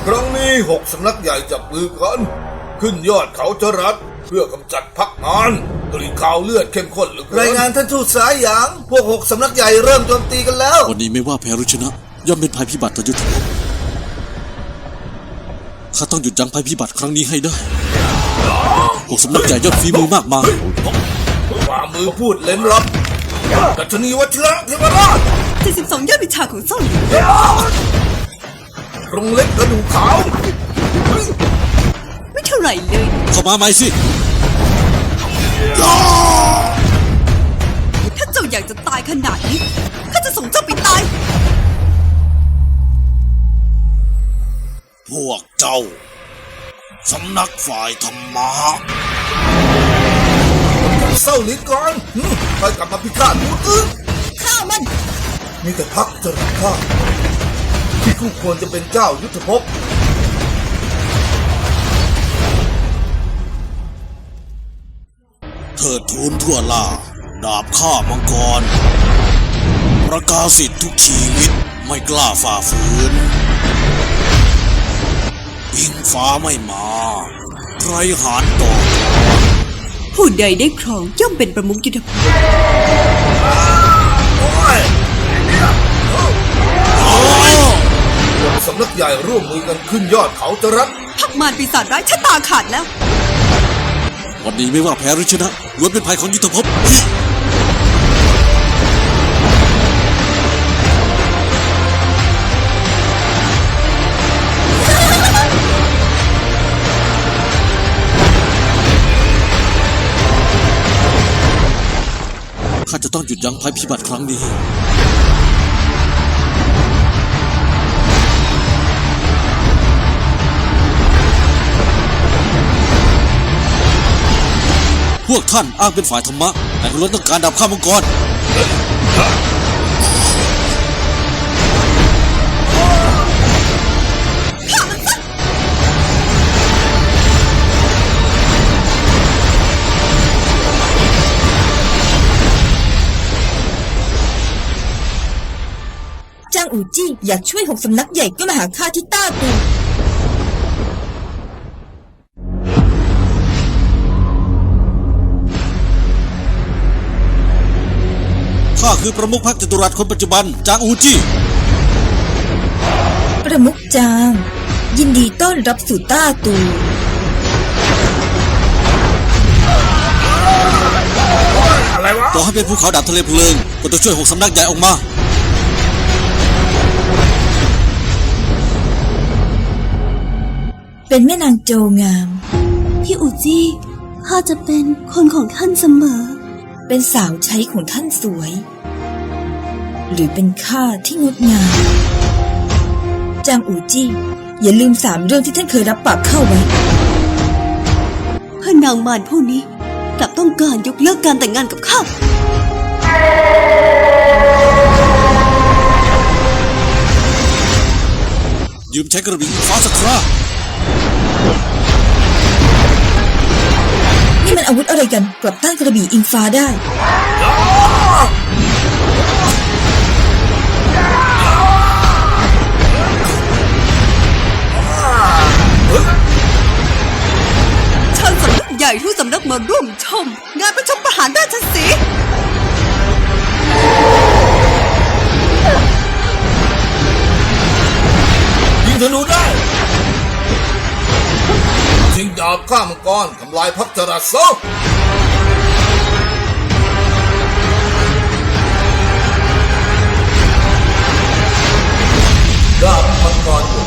ครั้งนี้6 สำนักใหญ่จับมือกันขึ้นยอดเขาจรัสเพื่อกำจัดพักมารกลิ่นข่าวเลือดเข้มข้นเหลือเกินรายงานท่านทูตสายหยางพวก6 สำนักใหญ่เริ่มโจมตีกันแล้ววันนี้ไม่ว่าแพ้หรือชนะย่อมเป็นภัยพิบัติต่อยุทธภพข้าต้องหยุดยั้งภัยพิบัติครั้งนี้ให้ได้6 สำนักใหญ่ยอดฝีมือมากมายฝ่ามือพูดเล่นลับกัจนีวัชระเทวราช 72 ยอดวิชาของซ่องหลินกรงเล็กกระดูกขาวไม่เท่าไหร่เลยเข้ามาใหม่สิถ้าเจ้าอยากจะตายขนาดนี้ข้าจะส่งเจ้าไปตายพวกเจ้าสำนักฝ่ายธรรมะเศร้าลิ้นก่อนไปกลับมาพิฆาตผู้อื่นข้ามันมีแต่พักจรัสข้าที่คู่ควรจะเป็นเจ้ายุทธภพเถิดทูลทั่วล่าดาบฆ่ามังกรประกาศสิทธิ์ทุกชีวิตไม่กล้าฝ่าฝืนอิงฟ้าไม่มาใครหานต่อผู้ใดได้ครองย่อมเป็นประมุขยุทธภพสำนักใหญ่ร่วมมือกันขึ้นยอดเขาจรัสพักมารปีศาจร้ายชะตาขาดแล้ววันนี้ไม่ว่าแพ้หรือชนะล้วนเป็นภัยของยุทธภพข้าจะต้องหยุดยั้งภัยพิบัติครั้งนี้พวกท่านอ้างเป็นฝ่ายธรรมะแต่ล้วนต้องการดาบฆ่ามังกรจางอู่จี้อยากช่วย6 สำนักใหญ่ก็มาหาข้าที่ต้าตูข้าคือประมุขพรรคจตุรัสคนปัจจุบันจางอูจี้ประมุขจางยินดีต้อนรับสู่ต้าตูอะไรวะต่อให้เป็นภูเขาดาบทะเลเพลิงก็ต้องช่วย6 สำนักใหญ่ออกมาเป็นแม่นางโจงามพี่อูจี้ข้าจะเป็นคนของท่านเสมอเป็นสาวใช้ของท่านสวยหรือเป็นข้าที่งดงามจางอูจี้อย่าลืม3 เรื่องที่ท่านเคยรับปากเข้าไว้เพื่อนางมารผู้นี้กลับต้องการยกเลิกการแต่งงานกับข้ายืมใช้กระบี่ฟ้าสักครานี่มันอาวุธอะไรกันกลับต้านกระบี่อิงฟ้าได้เชิญสำนักใหญ่ทุกสำนักมาร่วมชมงานประชุมประหารราชสีห์ยิงธนูได้ชิงดาบฆ่ามังกรทำลายพักจรัสซะดาบมังกร